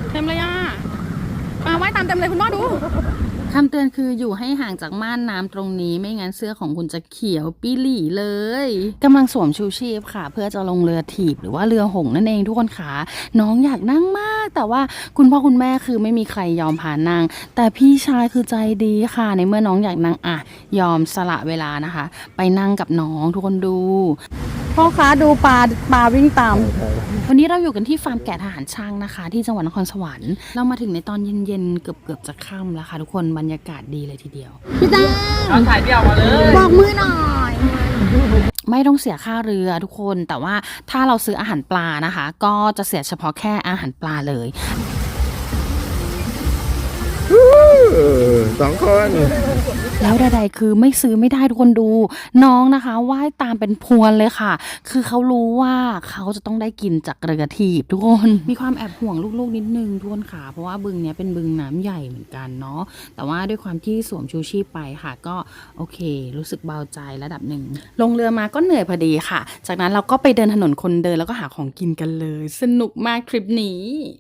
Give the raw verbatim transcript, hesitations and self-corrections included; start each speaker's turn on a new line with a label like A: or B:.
A: เต็มเลยอ่ะปลาว่ายตามเต็มเลยคุณพ่อดูคำเตือนคืออยู่ให้ห่างจากม่านน้ำตรงนี้ไม่งั้นเสื้อของคุณจะเขียวปี้หลี่เลยกำลังสวมชูชีพค่ะเพื่อจะลงเรือถีบหรือว่าเรือหงส์นั่นเองทุกคนขาน้องอยากนั่งมากแต่ว่าคุณพ่อคุณแม่คือไม่มีใครยอมพานั่งแต่พี่ชายคือใจดีค่ะในเมื่อน้องอยากนั่งอ่ะยอมสละเวลานะคะไปนั่งกับน้องทุกคนดูพ่อคะดูปลาปลาวิ่งตามวันนี้เราอยู่กันที่ฟาร์มแกะทหารช่างนะคะที่จังหวัดนครสวรรค์เรามาถึงในตอนเย็นๆเกือบๆจะค่ำแล้วค่ะทุกคนบรรยากาศดีเลยทีเดียวพี่แจ้งถ่ายเดี่ยวมาเลยบอกมือหน่อยไม่ต้องเสียค่าเรือทุกคนแต่ว่าถ้าเราซื้ออาหารปลานะคะก็จะเสียเฉพาะแค่อาหารปลาเลย
B: สองคน
A: แล้วใดๆคือไม่ซื้อไม่ได้ทุกคนดูน้องนะคะว่ายตามเป็นพวนเลยค่ะคือเขารู้ว่าเขาจะต้องได้กินจากเรือถีบทุกคนมีความแอบห่วงลูกๆนิดนึงทุกคนค่ะเพราะว่าบึงเนี้ยเป็นบึงน้ำใหญ่เหมือนกันเนาะแต่ว่าด้วยความที่สวมชูชีพไปค่ะก็โอเครู้สึกเบาใจระดับหนึ่งลงเรือมาก็เหนื่อยพอดีค่ะจากนั้นเราก็ไปเดินถนนคนเดินแล้วก็หาของกินกันเลยสนุกมากทริปนี้